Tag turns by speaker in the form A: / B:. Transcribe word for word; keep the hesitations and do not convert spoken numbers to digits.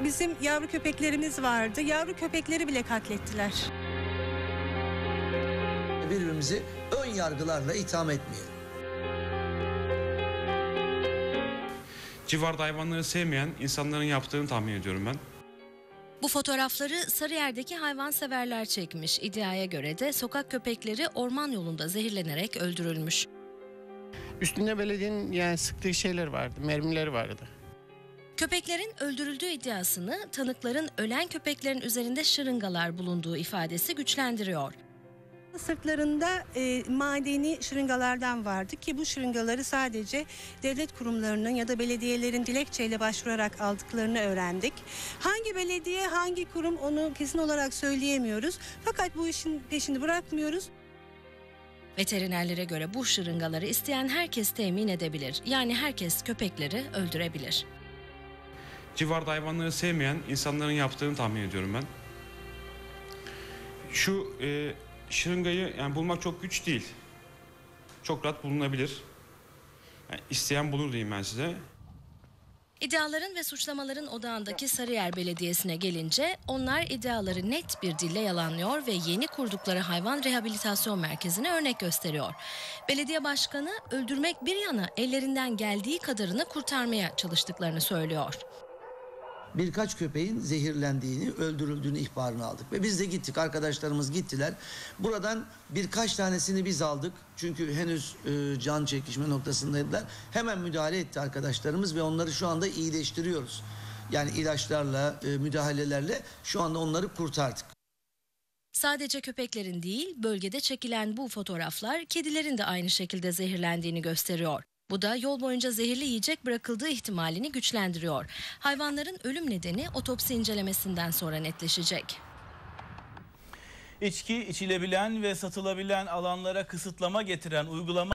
A: Bizim yavru köpeklerimiz vardı. Yavru köpekleri bile katlettiler.
B: Birbirimizi ön yargılarla itham etmeyelim.
C: Civarda hayvanları sevmeyen insanların yaptığını tahmin ediyorum ben.
D: Bu fotoğrafları Sarıyer'deki hayvanseverler çekmiş. İddiaya göre de sokak köpekleri orman yolunda zehirlenerek öldürülmüş.
E: Üstünde belediyenin yani sıktığı şeyler vardı, mermileri vardı.
D: Köpeklerin öldürüldüğü iddiasını tanıkların ölen köpeklerin üzerinde şırıngalar bulunduğu ifadesi güçlendiriyor.
A: Sırtlarında e, madeni şırıngalardan vardı ki bu şırıngaları sadece devlet kurumlarının ya da belediyelerin dilekçeyle başvurarak aldıklarını öğrendik. Hangi belediye, hangi kurum onu kesin olarak söyleyemiyoruz. Fakat bu işin peşini bırakmıyoruz.
D: Veterinerlere göre bu şırıngaları isteyen herkes temin edebilir. Yani herkes köpekleri öldürebilir.
C: Civarda hayvanları sevmeyen insanların yaptığını tahmin ediyorum ben. Şu e, şırıngayı yani bulmak çok güç değil. Çok rahat bulunabilir. Yani isteyen bulur diyeyim ben size.
D: İddiaların ve suçlamaların odağındaki Sarıyer Belediyesi'ne gelince onlar iddiaları net bir dille yalanlıyor ve yeni kurdukları hayvan rehabilitasyon merkezine örnek gösteriyor. Belediye başkanı öldürmek bir yana ellerinden geldiği kadarını kurtarmaya çalıştıklarını söylüyor.
B: Birkaç köpeğin zehirlendiğini, öldürüldüğünü ihbarını aldık. Ve biz de gittik, arkadaşlarımız gittiler. Buradan birkaç tanesini biz aldık. Çünkü henüz e, can çekişme noktasındaydılar. Hemen müdahale etti arkadaşlarımız ve onları şu anda iyileştiriyoruz. Yani ilaçlarla, e, müdahalelerle şu anda onları kurtardık.
D: Sadece köpeklerin değil, bölgede çekilen bu fotoğraflar kedilerin de aynı şekilde zehirlendiğini gösteriyor. Bu da yol boyunca zehirli yiyecek bırakıldığı ihtimalini güçlendiriyor. Hayvanların ölüm nedeni otopsi incelemesinden sonra netleşecek.
F: İçki içilebilen ve satılabilen alanlara kısıtlama getiren uygulama